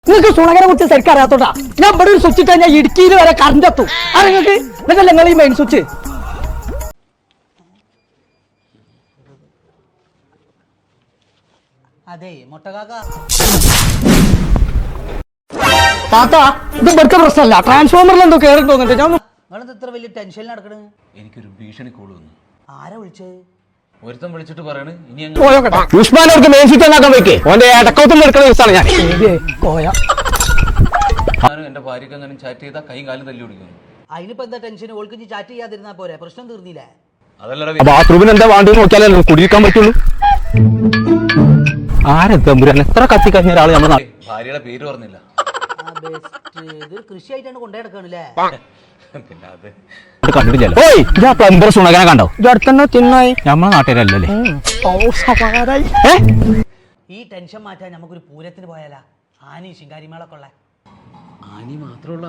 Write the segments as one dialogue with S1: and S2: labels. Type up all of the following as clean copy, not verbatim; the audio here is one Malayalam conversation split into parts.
S1: നിങ്ങൾക്ക് സുണകനെ കുറിച്ച് ശരിക്കും അറിയാത്തോട്ടാ. ഞാൻ ഇവിടെ ഒരു സ്വിച്ച് ഇട്ടാൽ ഞാൻ ഇടുക്കിയിൽ വരെ കറണ്ട് എത്തും. അത് നിങ്ങൾക്ക് ഇതല്ല നിങ്ങൾ ഈ മെയിൻ സ്വിച്ച്.
S2: അതെ മൊട്ടകാക്ക
S1: താത്ത ഇത് ഇവിടുത്തെ പ്രശ്നമല്ല, ട്രാൻസ്ഫോമറിൽ എന്തോ കയറി തോന്നുന്നുണ്ട്. ഞാൻ
S2: നിങ്ങളത് ഇത്ര വലിയ ടെൻഷനിൽ നടക്കണ്.
S3: എനിക്കൊരു ഭീഷണി കോള് വന്നു.
S2: ആരാ വിളിച്ചത്?
S3: ഒരുത്തം വിളിച്ചിട്ട് പറയണ് ഇനി
S4: ഉസ്മാനവർക്ക് മെയിൻ സ്വിച്ച് ഉണ്ടാക്കാൻ വെക്കേ ഓന്റെ ഇടക്കൗത്തും എടുക്കുന്ന ദിവസമാണ് ഞാൻ.
S3: ഞാനും എന്റെ ഭാര്യക്ക് അങ്ങനെ ചാറ്റ് ചെയ്താൽ കൈയും കാലും തല്ലി പിടിക്കുന്നു.
S2: അതിനിപ്പോ എന്താ ടെൻഷൻ? ഓൾക്ക് ഇനി ചാറ്റ് ചെയ്യാതിരുന്നാ പോരെ, പ്രശ്നം തീർന്നില്ലേ?
S3: അതല്ലടാ
S4: ബാത്റൂമിന് എന്താ വേണ്ടത് നോക്കിയാലേ കുടിയിരിക്കാൻ പറ്റുള്ളൂ. ആരെത്തമ്പുരാൻ എത്ര കത്തി കഴിഞ്ഞ ഒരാള് നമ്മൾ
S3: ഭാര്യയുടെ പേര് പറഞ്ഞില്ല.
S2: ഇത് കൃഷിയായിട്ടാണ് കൊണ്ടുനടക്കണല്ലേ?
S3: പിന്നെ അത്
S4: കണ്ടിട്ടില്ലല്ലോ. ഓയ് ഇതാ പ്ലംബർ സുണകനെ കണ്ടോ?
S1: ഇതടുത്തന്നെ തിന്നായി
S4: നമ്മളെ നാട്ടുകാരല്ലേ?
S2: ഈ ടെൻഷൻ മാറ്റാൻ നമുക്കൊരു പൂരത്തിന് പോയാലാ? ആനി ശിങ്കാരിമേളൊക്കെ ഉള്ള
S3: ആനി മാത്രമുള്ള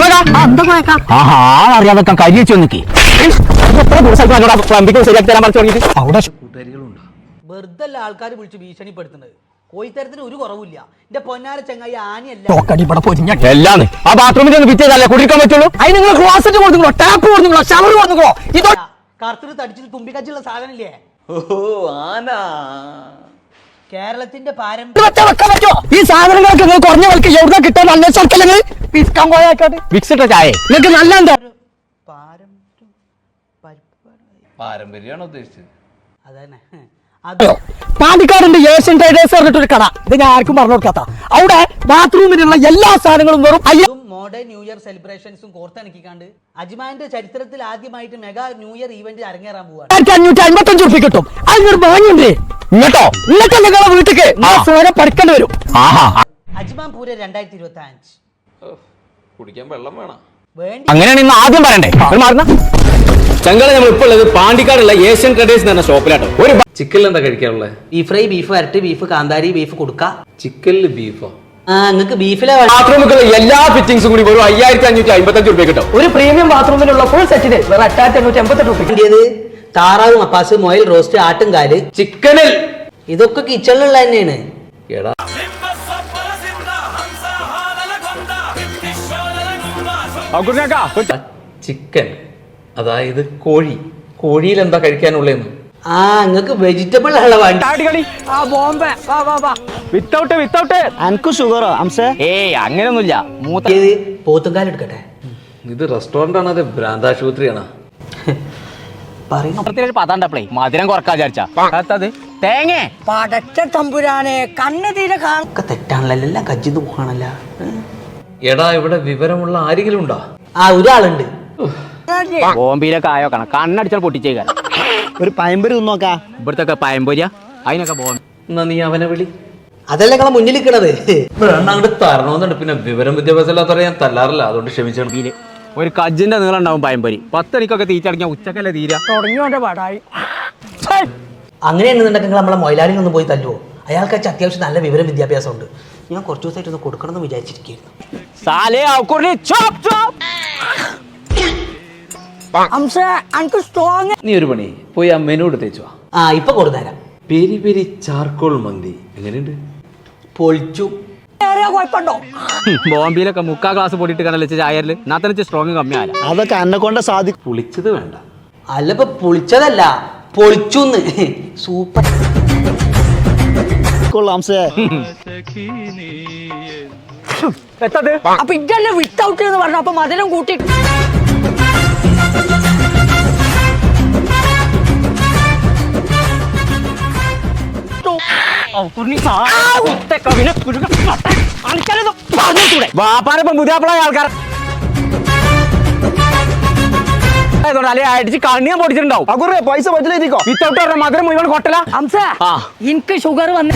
S4: അറിയാതെ കരി വെച്ച് വന്നിക്ക് പ്ലംബിംഗ് ശരിയാക്കി തരാൻ പറഞ്ഞു തുടങ്ങിയിട്ട് അവിടെ
S3: കൂട്ടുകാരികളുണ്ടോ?
S2: വെറുതെ അല്ല ആൾക്കാർ വിളിച്ച് ഭീഷണിപ്പെടുത്തുന്നത്. കോയിത്തരത്തിന് ഒരു കുറവില്ല. എന്റെ പൊന്നാര ചങ്ങായി ആനിയല്ല.
S4: എല്ലാന്ന് ആ ബാത്റൂമിൽ ഒന്ന് പിറ്റേതല്ലേ കുടിക്കാൻ പറ്റുള്ളൂ.
S1: അതിന് നിങ്ങൾ ക്ലോസറ്റ് കൊടുക്കുള്ളൂ, ടാപ്പ് കൊടുക്കുള്ളൂ, ഷവർ കൊടുക്കുള്ളൂ. ഇത്
S2: കറുത്തിട്ട് തടിച്ചിട്ട് തുമ്പിക്കച്ചുള്ള സാധനമില്ലേ?
S3: ഓഹോ ആന.
S2: കേരളത്തിന്റെ
S1: ഈ സാധനങ്ങളൊക്കെ നിങ്ങൾ കുറഞ്ഞ വിലക്ക് എവിടെ കിട്ടാൻ അന്വേഷിച്ചല്ലേ പിസ്കാൻ പോയാക്കാട്ട്
S4: വിക്സിട്ട ചായ
S1: നിങ്ങൾക്ക് നല്ല എന്താ
S3: പാരമ്പര്യമാണോ ഉദ്ദേശിച്ചത്?
S2: അതന്നെ.
S1: പാണ്ടിക്കാടുണ്ട് ഏഷ്യൻ ട്രേഡേഴ്സ് പറഞ്ഞിട്ടൊരു കട. ഇത് ഞാൻ ആർക്കും പറഞ്ഞു കൊടുക്കാത്ത. അവിടെ ബാത്റൂമിനുള്ള എല്ലാ സാധനങ്ങളും വെറും
S2: മോഡേൺ ന്യൂ ഇയർ സെലിബ്രേഷൻസും കോർത്തിണക്കിക്കാണ്ട് അജ്മാന്റെ ചരിത്രത്തിൽ ആദ്യമായിട്ട് മെഗാ ന്യൂ ഇയർ ഈവന്റ് അരങ്ങേറാൻ പോവാണ്.
S1: 555 ഉറുപ്പിക കിട്ടും. അതിനൊരു ഭാഗ്യമുണ്ട്.
S4: ഇങ്ങോട്ടോ
S1: ഇന്നത്തെ നിങ്ങളെ വീട്ടിക്ക് പഠിക്കേണ്ടി വരും.
S2: അജ്മാൻ പൂരം 2025
S3: കുടിക്കാൻ വെള്ളം വേണം.
S2: വേണ്ടി
S4: അങ്ങനെയാണ് ഇന്ന് ആദ്യം പറയണ്ടേ. ചങ്കള നമ്മൾ ഇപ്പോൾ ഉള്ളത് പാണ്ടിക്കാടുള്ള ഏഷ്യൻ ട്രേഡേഴ്സ് എന്ന ഷോപ്പിലാട്ടോ. ഒരു
S3: ചിക്കനിൽ എന്താ കഴിക്കാനുള്ളത്?
S2: ബീഫ് ഫ്രൈ, ബീഫ് വരട്ട്, ബീഫ് കാന്താരി, ബീഫ് കൊടുക്ക.
S3: ചിക്കനിൽ ബീഫോ?
S2: നിങ്ങൾക്ക് ബീഫിലെ
S4: ബാത്റൂമുകളുടെ എല്ലാ ഫിറ്റിംഗ്സും കൂടി വെറും 5555 രൂപ കിട്ടും.
S1: ഒരു പ്രീമിയം ബാത്റൂമിലുള്ള ഫുൾ സെറ്റിന് വെറും 8588 രൂപ.
S2: താറാവ്, മപ്പാസ്, മൊയൽ റോസ്റ്റ്, ആട്ടുംകാല്,
S4: ചിക്കനിൽ
S2: ഇതൊക്കെ കിച്ചണിലുള്ള തന്നെയാണ്.
S3: എടാ ചിക്കൻ അതായത് കോഴി. കോഴിയിൽ എന്താ കഴിക്കാനുള്ളതെന്ന്?
S2: നിങ്ങൾക്ക് വെജിറ്റബിൾ ഉള്ള വേണ്ടി.
S4: വിത്തൗട്ട്
S5: അനക്ക് ഷുഗറോ അംസേ?
S4: ഏയ് അങ്ങനെയൊന്നുമില്ല.
S2: പോത്തുംകാല് എടുക്കട്ടെ.
S3: ഇത് റെസ്റ്റോറന്റ് ആണ്, അത് ഭ്രാന്താശുപത്രിയാണ്.
S2: പറയുന്നു
S4: പതാണ്ടപ്പളേ മധുരം കുറക്കാ വിചാരിച്ചാ തേങ്ങ
S1: പടച്ച തമ്പുരാനെ കണ്ണ് തീരെ
S2: ഒക്കെ തെറ്റാണല്ലോ, എല്ലാം കജ്ജിന്ന് പോകാണല്ല.
S3: എടാ ഇവിടെ വിവരമുള്ള ആരെങ്കിലും ഉണ്ടോ?
S2: ഒരാളുണ്ട്.
S4: ബോംബെയിലൊക്കെ ആയോക്കണം കണ്ണടിച്ചാൽ പൊട്ടിച്ചേക്കാൻ.
S5: ഒരു പയമ്പൊരി തിന്നോക്കാ.
S4: ഇവിടത്തൊക്കെ പയമ്പൊരിയ അതിനൊക്കെ
S3: എന്നാ നീ അവനെ വിളി.
S2: അതല്ല നിങ്ങളെ മുന്നിൽ നിൽക്കണത്.
S3: അങ്ങോട്ട് തരണമെന്നുണ്ട്. പിന്നെ വിവരം വിദ്യാഭ്യാസം ഇല്ലാത്തവരെ ഞാൻ തല്ലാറില്ല, അതുകൊണ്ട് ക്ഷമിച്ചാണ്.
S4: ഒരു കജ്ജിന്റെ നീളം ഉണ്ടാവും പയമ്പൊരി. 10 മണിക്കൊക്കെ തീറ്റടങ്ങിയ ഉച്ചക്കല്ലേ തീര
S1: തുടങ്ങിയോന്റെ പാടായി.
S2: അങ്ങനെയാണെന്നുണ്ടെങ്കിൽ നിങ്ങൾ നമ്മളെ മൊയിലാളിനൊന്നും പോയി തല്ലുവോ? അയാൾക്ക് അത്യാവശ്യം നല്ല വിവരം വിദ്യാഭ്യാസം ഉണ്ട്. ഞാൻ കുറച്ച് ദിവസമായിട്ട് ഒന്ന് കൊടുക്കണമെന്ന് വിചാരിച്ചിരിക്കുന്നു.
S3: നീ ഒരു പണി പോയി ആ മെനു എടുത്തേച്ചു.
S2: ഇപ്പൊ കൊടുത്തരാം.
S3: പെരി പെരി ചാർക്കോൾ മന്തി എങ്ങനെയുണ്ട്?
S2: പൊളിച്ചു.
S1: കുഴപ്പമുണ്ടോ?
S4: ബോംബെയിലൊക്കെ 3/4 ഗ്ലാസ് പൊടിയിട്ട് കണ്ടല്ലേ ചായരില് നാത്തനച്ച് സ്ട്രോങ് കമ്മിയാല.
S5: അതൊക്കെ എന്നെ കൊണ്ട് സാധിക്കും.
S3: പുളിച്ചത് വേണ്ട.
S2: അല്ല ഇപ്പൊ പുളിച്ചതല്ല, പൊളിച്ചുന്ന്. സൂപ്പർ.
S5: അംസേ
S1: അപ്പൊ ഇതല്ലേ വിത്തൗട്ട് എന്ന് പറഞ്ഞു. അപ്പൊ മധുരം കൂട്ടി
S4: വാപ്പാനിപ്പം പുതിയാപ്പിളായ ആൾക്കാർ അല്ലെ അടിച്ച് കണ്ണിയാൻ പൊടിച്ചിട്ടുണ്ടാവും.
S5: പൈസ പറ്റില്ലെത്തിക്കോ.
S4: വിത്തൗട്ട് പറഞ്ഞ മധുരം മുഴുവൻ കൊട്ടല.
S1: എനിക്ക് ഷുഗർ വന്ന്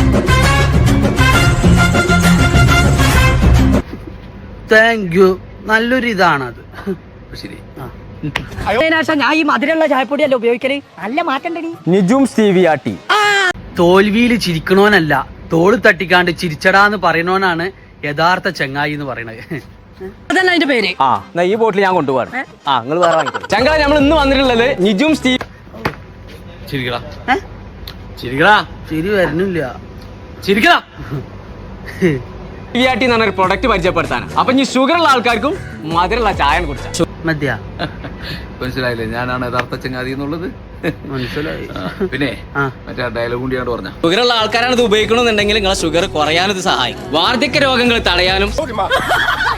S2: താങ്ക് യു. നല്ലൊരു ഇതാണത്.
S3: ശരി.
S1: ഞാൻ ഈ മധുരമുള്ള ചായപ്പൊടിയല്ല ഉപയോഗിക്കല്. നല്ല മാറ്റണ്ടടി.
S4: നിജും സ്റ്റീവിയാട്ടി.
S2: തോൽവിയിൽ ചിരിക്കണോനല്ല, തോള് തട്ടിക്കാണ്ട് ചിരിച്ചടാന്ന് പറയണോനാണ് യഥാർത്ഥ ചങ്ങായി എന്ന് പറയണത്.
S1: അതല്ല അതിന്റെ പേര്.
S4: ഈ ബോട്ടിൽ ഞാൻ കൊണ്ടുപോകാറ്. നിങ്ങൾ വേറെ വാങ്ങിക്കോ. ചങ്കള നമ്മൾ ഇന്ന് വന്നിട്ടുള്ളത് നിജും സ്റ്റീവ്.
S3: ചിരിക്കടാ ചിരിക്കടാ.
S2: ചിരി വരുന്നില്ല.
S3: ചിരിക്കടാ.
S4: PRT എന്ന് പറഞ്ഞ ഒരു പ്രൊഡക്റ്റ് പരിചയപ്പെടുത്താനാണ്. അപ്പൊ ഈ ഷുഗർ ഉള്ള ആൾക്കാർക്കും മധുരമുള്ള ചായ കുടിച്ചാൽ
S2: മദ്യ
S3: മനസ്സിലായില്ലേ ഞാനാണ് യഥാർത്ഥ ചങ്ങാതി എന്നുള്ളത്.
S2: മനസ്സിലായി.
S3: പിന്നെ
S2: ആ.
S3: മറ്റേ ഡയലോഗ് കൂടിയാണ് പറഞ്ഞ
S4: ഷുഗർ ഉള്ള ആൾക്കാരാണ് ഇത് ഉപയോഗിക്കണമെന്നുണ്ടെങ്കിൽ നിങ്ങളെ ഷുഗർ കുറയാനും ഇത് സഹായിക്കും. വാർദ്ധക്യ രോഗങ്ങൾ തടയാനും